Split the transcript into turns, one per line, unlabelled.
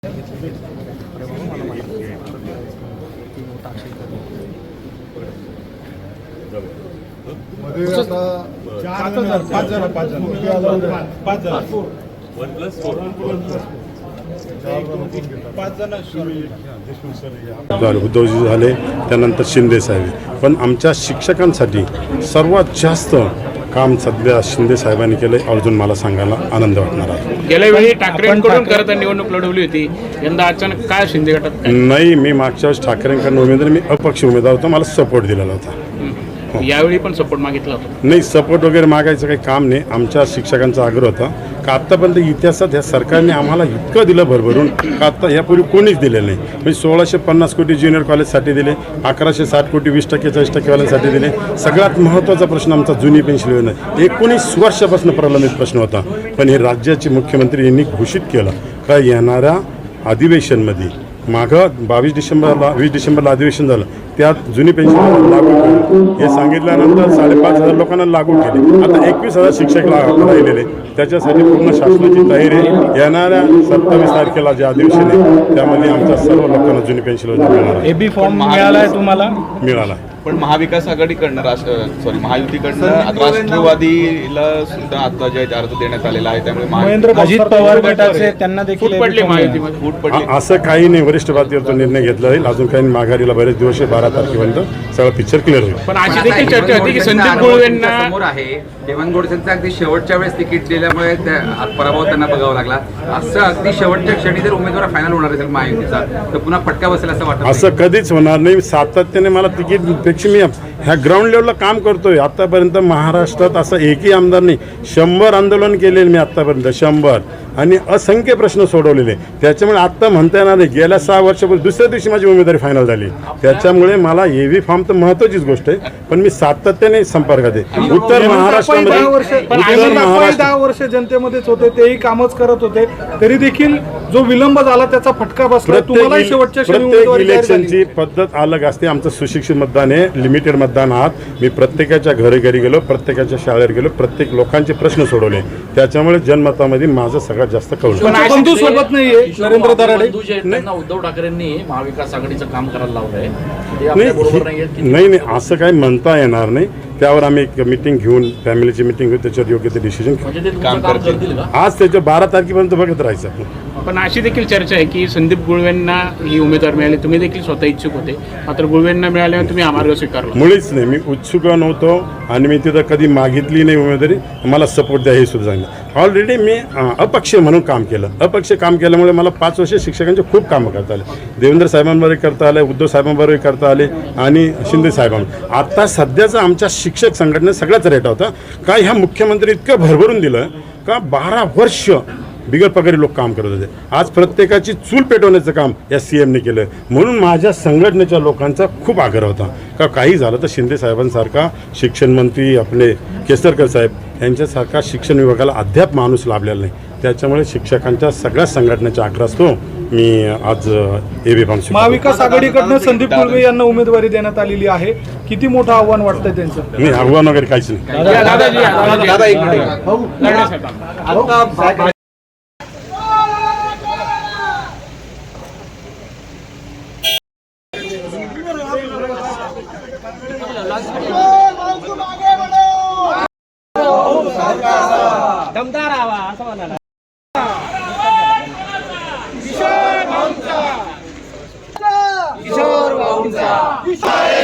उद्धवजी झाले, त्यानंतर शिंदे साहेब. पण आमच्या शिक्षकांसाठी सर्वात जास्त काम सध्या शिंदे साहेबांनी केले. अजून मला सांगायला आनंद वाटणार आहे.
गेल्या वेळी ठाकरेंकडून खरं तर निवडणूक लढवली होती, यंदा अचानक काय शिंदे गटात
नाही. मी मागच्या वेळेस ठाकरेंकडून उमेदवार, मी अपक्ष उमेदवार होतो, मला सपोर्ट दिलेला होता.
यावेळी पण सपोर्ट मागितला होता?
नाही, सपोर्ट वगैरे मागायचं काही काम नाही. आमच्या शिक्षकांचा आग्रह होता का आत्तापर्यंत इतिहासात ह्या सरकारने आम्हाला इतकं दिलं भरभरून का आत्ता यापूर्वी कोणीच दिलेलं नाही. म्हणजे 1650 कोटी ज्युनियर कॉलेजसाठी दिले, 1160 कोटी 20% 40%वाल्यांसाठी दिले. सगळ्यात महत्त्वाचा प्रश्न आमचा जुनी पेन्शन योजना 19 वर्षापासून प्रलंबित प्रश्न होता. पण हे राज्याचे मुख्यमंत्री यांनी घोषित केलं का येणाऱ्या अधिवेशनमध्ये मागं 22 डिसेंबरला 20 डिसेंबरला अधिवेशन झालं, त्यात जुनी पेन्शन लागू केली. हे सांगितल्यानंतर 5,500 लोकांना लागू केले. आता 21,000 शिक्षक राहिलेले. त्याच्यासाठी पूर्ण शासनाची तयारी आहे. येणाऱ्या 27 तारखेला जे अधिवेशन आहे त्यामध्ये आमच्या सर्व लोकांना जुनी पेन्शन योजना मिळणार आहे.
एबी फॉर्म मिळाला आहे तुम्हाला?
मिळाला.
पण महाविकास आघाडीकडनं महायुतीकडनं राष्ट्रवादीला सुद्धा आता जे अर्ज देण्यात आलेला आहे, त्यामुळे
अजित पवार गटाचे त्यांना देखील
पडले महायुतीमध्ये
फूट पडली.
असं काही नाही. वरिष्ठ पातळीवर निर्णय घेतला जाईल. अजून काही माघारीला बरेच दिवस आहे. 12 तारखेपर्यंत सगळं पिक्चर क्लिअर होईल.
पण अशी देखील चर्चा होती की संदीप गुळवेंना
समोर आहे, देवानगोडसेंचा अगदी शेवटच्या वेळेस तिकीट दिल्यामुळे पराभव त्यांना बघावा लागला. असं अगदी शेवटच्या क्षणी जर उमेदवार फायनल होणार असेल महायुतीचा तर पुन्हा फटका बसेल असं वाटतं?
असं कधीच होणार नाही. सातत्याने मला तिकीटपेक्षा मी ह्या ग्राउंड लेवलला काम करतोय. आत्तापर्यंत महाराष्ट्रात असं एकही आमदार नाही. 100 आंदोलन केलेले मी आत्तापर्यंत, 100, आणि असंख्य प्रश्न सोडवलेले. त्याच्यामुळे आत्ता म्हणता येणार नाही. गेल्या 6 वर्षापूर्वी दुसऱ्या दिवशी माझी उमेदवारी फायनल झाली. त्याच्यामुळे मला एव्ही फॉर्म तर महत्त्वाचीच गोष्ट आहे, पण मी सातत्याने संपर्कात आहे. उत्तर महाराष्ट्रामध्ये
10 वर्ष जनतेमध्येच होते, तेही कामच करत होते, तरी देखील जो विलंब झाला त्याचा फटका बसला. तुम्हाला शेवटच्या
प्रत्येक इलेक्शनची पद्धत अलग असते. आमचं सुशिक्षित मतदान आहे, लिमिटेड मतदान आहात. मी प्रत्येकाच्या घरी गेलो, प्रत्येकाच्या शाळेवर गेलो, प्रत्येक लोकांचे प्रश्न सोडवले. त्याच्यामुळे जनमतामध्ये माझं सगळ्यात जास्त कौल.
बंधू सोबत नाहीये नरेंद्र दराडे.
उद्धव ठाकरेंनी महाविकास आघाडीचं काम करायला लावलंय.
नाही, असं काही म्हणता येणार नाही. त्यावर आम्ही एक मीटिंग घेऊन, फॅमिलीची मीटिंग घेऊन त्याच्यावर योग्य ते डिसिजन
काम करतील.
आज त्याच्या 12 तारखेपर्यंत बघत राहायचं.
पण अशी देखील चर्चा आहे की संदीप गुळवेंना ही उमेदवार मिळाली, तुम्ही देखील स्वतः इच्छुक होते, मात्र गुळवेंना मिळाल्यावर तुम्ही हा मार्ग स्वीकारला?
मुळीच नाही. मी उत्सुक नव्हतो आणि मी तिथं कधी मागितली नाही उमेदवारी. मला सपोर्ट द्या हे सुद्धा सांगितलं. ऑलरेडी मी अपक्ष म्हणून काम केलं. अपक्ष काम केल्यामुळे मला 5 वर्ष शिक्षकांचे खूप कामं करता आले. देवेंद्र साहेबांबरोबर करता आले, उद्धव साहेबांबरोबर करता आले, आणि शिंदे साहेबांबरोबर. आता सध्याचा आमच्या शिक्षक संघटनेत सगळ्याच रेट होता का ह्या मुख्यमंत्री इतकं भरभरून दिलं का 12 वर्ष बिगर पगारी लोक काम करत होते. आज प्रत्येकाची चूल पेटवण्याचं काम या CMने केलं. म्हणून माझ्या संघटनेच्या लोकांचा खूप आग्रह होता का काही झालं तर शिंदे साहेबांसारखा शिक्षण मंत्री आपले केसरकर साहेब यांच्यासारखा शिक्षण विभागाला अद्याप माणूस लाभलेला नाही. त्याच्यामुळे शिक्षकांच्या सगळ्या संघटनेचा आग्रह असतो. मी आज एबी फॉर्म
महाविकास आघाडीकडनं संदीप गुळवे यांना उमेदवारी देण्यात आलेली आहे. किती मोठं आव्हान वाटतंय त्यांचं?
नाही, आव्हान वगैरे काहीच नाही.
दमदार आवा असं म्हणाला.
किशोर भाऊंचा